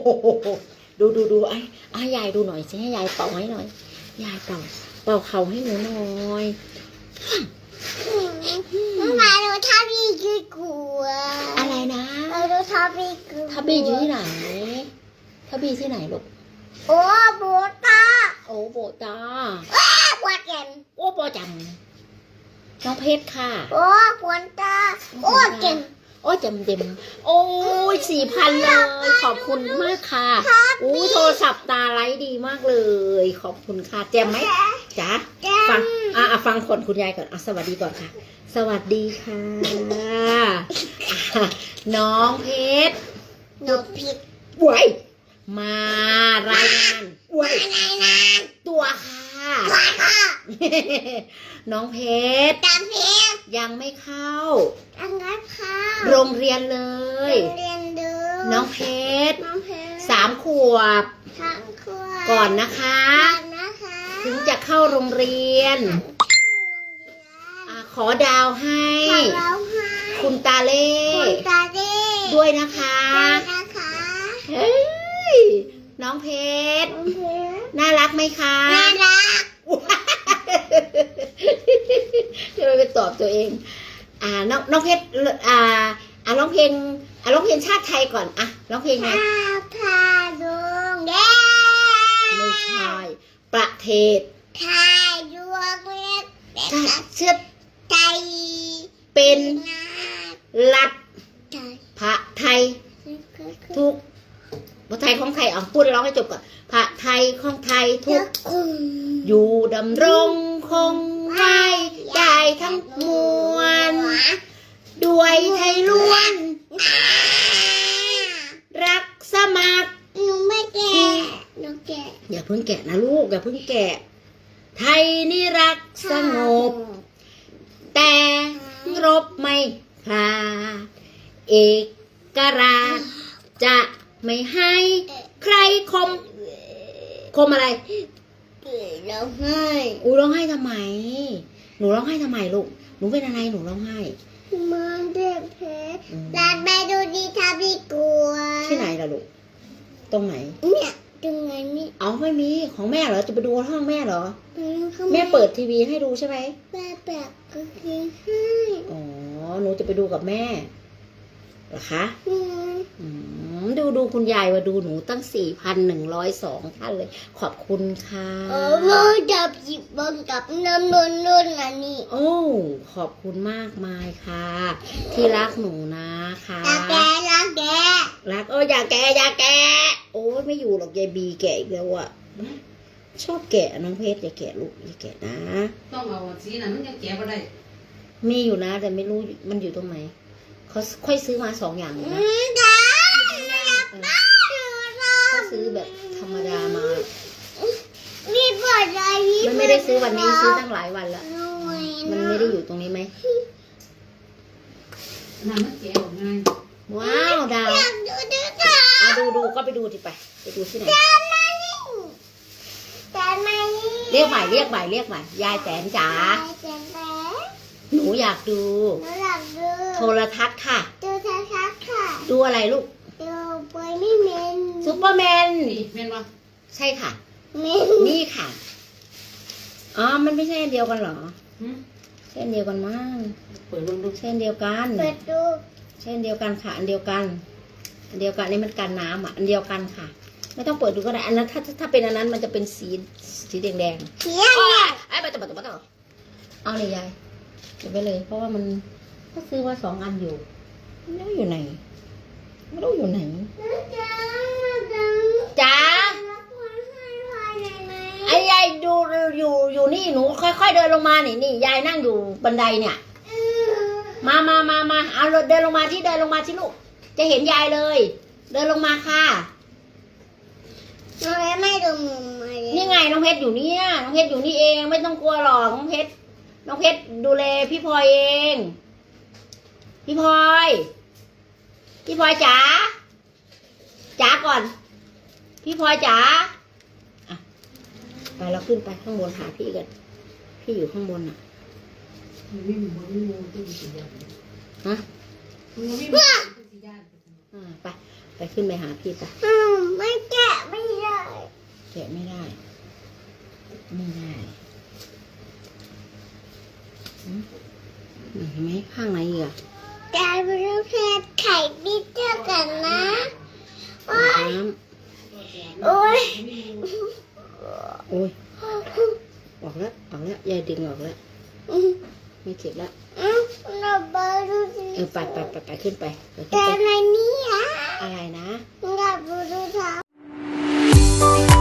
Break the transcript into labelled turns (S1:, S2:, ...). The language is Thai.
S1: ดูไอ้ยายดูหน่อยสิให้ยายเป่าให้หน่อยยายเป่าเข่าให้หนูหน่อย
S2: มาดูทับบี้กี่กัว
S1: อะไรนะ
S2: มาดูทับบี้กี่
S1: ทับบี้อยู่ที่ไหนทับบี้ที่ไหนลูก
S2: โอ้โบตา
S1: โอ้โบตา
S2: ปวดแขน
S1: โอ้ปอจำน้องเพชรค่ะ
S2: โอ้ปวดตาโอ้เก่ง
S1: โอ้จำเต็มโอ้ย4,000เลยขอบคุณมากค่ะอู้โทรศัพท์ตาไลท์ดีมากเลยขอบคุณค่ะแจมไหมจ๊ะฟังฟังคนคุณยายก่อนสวัสดีก่อนค่ะสวัสดีค่ะน้องเพชร
S2: น้องผิด
S1: ไว้มารายงานไว้ตัวค่ะน้องเพชรยังไม่เข้าโรงเรียนเลยน้องเพชร3 ขวบก่อนนะคะถึงจะเข้าโรงเรียนขอดาวให้คุณตาเล่ด้วยนะคะเฮ้ยน้องเพชรน่ารักไหมคะ
S2: น่ารัก
S1: จะไปตอบตัวเองน้องเพชรร้องเพลงชาติไทยก่อนร้องเพลงไง
S2: พาดวงแดง
S1: ไม่ใช่ประเทศ
S2: ไทยดวงเล็ก
S1: เชื้อ
S2: ไทย
S1: เป็นรัฐพระไทยทุกพระไทยของไทยพูดร้องให้จบก่อนพระไทยของไทยทุกอยู่ดำรงคงไว้ได้ทั้งมวลด้วยไทยล้วนรักสมัคร
S2: หนูไม่แก่หนูแก่
S1: อย่าเพิ่งแกะนะลูกอย่าเพิ่งแกะไทยนี่รักสงบแต่รบไม่พลาดเอกราชจะไม่ให้ใครคมอะไร
S2: ร้องไห้
S1: ร้องไห้ทำไมหนูร้องไห้ทำไมลูกหนูเป็นอะไรหนูร้องไห้
S2: มันเจ็บแผลลาดไปดูดีทับดีกลัว
S1: ที่ไหนล่ะลูกตรงไหน
S2: เนี่ยตรงไหนนี่
S1: ไม่มีของแม่เหรอจะไปดูห้องแม่เหรอแม่เปิดทีวีให้ดูใช่ไหม
S2: แม่แปะก็คือให้
S1: หนูจะไปดูกับแม่เหรอคะดูคุณยายว่าดูหนูตั้ง 4,102 ท่านเลยขอบคุณค่ะ
S2: จับหยิบบนกับน้ำนุ่นอันนี้
S1: ขอบคุณมากมายค่ะที่รักหนูนะคะ
S2: รักแกรัก
S1: อย่าแกโอ้ยไม่อยู่หรอกยายบีแกอีกแล้วอ่ะชอบแกะน้องเพชรอย่าแกะลูกอย่าแกะนะ
S3: ต้องเอาสีนั้นมันยังแกะไม่ได้
S1: มีอยู่นะแต่ไม่รู้มันอยู่ตรงไหนเขาค่อยซื้อมา2 อย่างนะเขาซื้อแบบธรรมดามามันไม่ได้ซื้อวันนี้ซื้อตั้งหลายวันแล้วมันไม่ได้อยู่ตรงนี้ไหม
S3: น้ำมันแกะออกง่าย
S1: ว้าวดาวดูก็ไปดูที่ดูที่ไหนเรียกใหม่ยายแตนจ๋าหนูอยากดูโทรทัศน์ค่ะดูอะไรลูกซูเปอร์แมน
S3: แม่นวะ
S1: ใช่ค่ะนี่ค่ะมันไม่ใช่อันเดียวกันเหรอใช่อันเดียวกันมั้ง
S3: เปิดดู
S1: ใช่อันเดียวกันใช่อันเดียวกันค่ะอันเดียวกันนี่มันกันน้ำอันเดียวกันค่ะไม่ต้องเปิดดูก็ได้อันนั้นถ้าเป็นอันนั้นมันจะเป็นสีแดงไอ้บัตรเอาเลยยายเก็บไปเลยเพราะว่ามันก็ซื้อว่า2 อันอยู่ไม่รู้อยู่ไหนจ๋าไอ้ยายดูอยู่นี่หนูค่อยๆเดินลงมานี่ยายนั่งอยู่บันไดเนี่ยมาเอาเดินลงมาที่ลูกจะเห็นยายเลยเดินลงมาค่ะ
S2: ไม่ดู
S1: นี่ไงน้องเพชรอยู่เนี่ยน้องเพชรอยู่นี่เองไม่ต้องกลัวหรอกน้องเพชรดูแลพี่พลอยเองพี่พลอยจ๋าก่อนพี่พลอยจ๋าไปเราขึ้นไปข้างบนหาพี่กันพี่อยู่ข้างบนฮะไปขึ้นไปหาพี่ไป
S2: ไม่แกะไม่ได้
S1: แกะไม่ได้ ไม่ได้เห็นไหมข้างไหนอีกอะ
S2: แต่ไม่รู้เพชรไข่ดิเจอกันนะโอ้ย
S1: น้
S2: โอ้ย
S1: ำโอ้ยออกแล้วยายดึงออกแล้วไม่เจ็บแล้ว
S2: เราไปดูสิ
S1: ไปขึ้นไป
S2: แต่ในนี้อะ
S1: อะไรนะ
S2: เราไปดูทาง